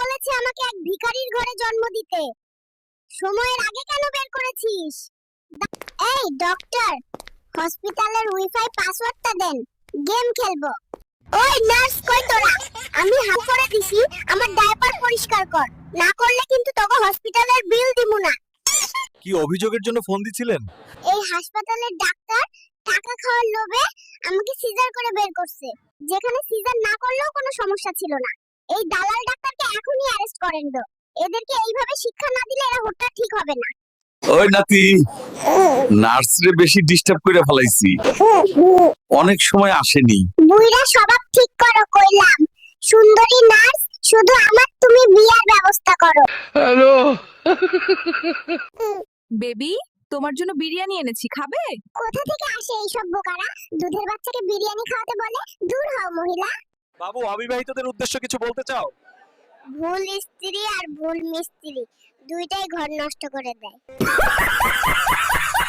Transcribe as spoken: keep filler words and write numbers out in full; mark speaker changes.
Speaker 1: বলেছে আমাকে এক ভিখারির ঘরে জন্ম দিতে। সময়ের আগে কেন বের করেছিস? এই ডক্টর, হসপিটালের ওয়াইফাই পাসওয়ার্ডটা দেন, গেম খেলবো। ওই নার্স কই তোরা? আমি হাত করে দিছি, আমার ডায়াপার পরিষ্কার কর, না করলে কিন্তু তোকে হসপিটালের বিল দিমু না।
Speaker 2: কি অভিযোগের জন্য ফোন দিছিলেন?
Speaker 1: এই হাসপাতালের ডাক্তার টাকা খাওয়ার লোভে আমাকে সিজার করে বের করছে, যেখানে সিজার না করলেও কোনো সমস্যা ছিল না। এই দালাল ডাক্তারকে এখনই অ্যারেস্ট করেন দাও। এদেরকে এইভাবে শিক্ষা না দিলে এরা হুটটা ঠিক হবে না।
Speaker 2: ওই নাতি, নার্সরে বেশি ডিস্টার্ব করে ফেলাইছি, অনেক সময় আসেনি।
Speaker 1: বুইরা স্বভাব ঠিক করো কইলাম। সুন্দরী নার্স, শুধু আমার তুমি বিয়ার ব্যবস্থা করো।
Speaker 2: হ্যালো
Speaker 3: বেবি, তোমার জন্য বিরিয়ানি এনেছি, খাবে?
Speaker 1: কোথা থেকে আসে এইসব বোকারা? দুধের বাচ্চাকে বিরিয়ানি খাওয়াতে বলে? দূর হও মহিলা।
Speaker 2: বাবু, অবিবাহিতদের উদ্দেশ্য কিছু বলতে চাও?
Speaker 1: ভুল স্ত্রী আর ভুল মিস্ত্রি দুইটাই ঘর নষ্ট করে দেয়।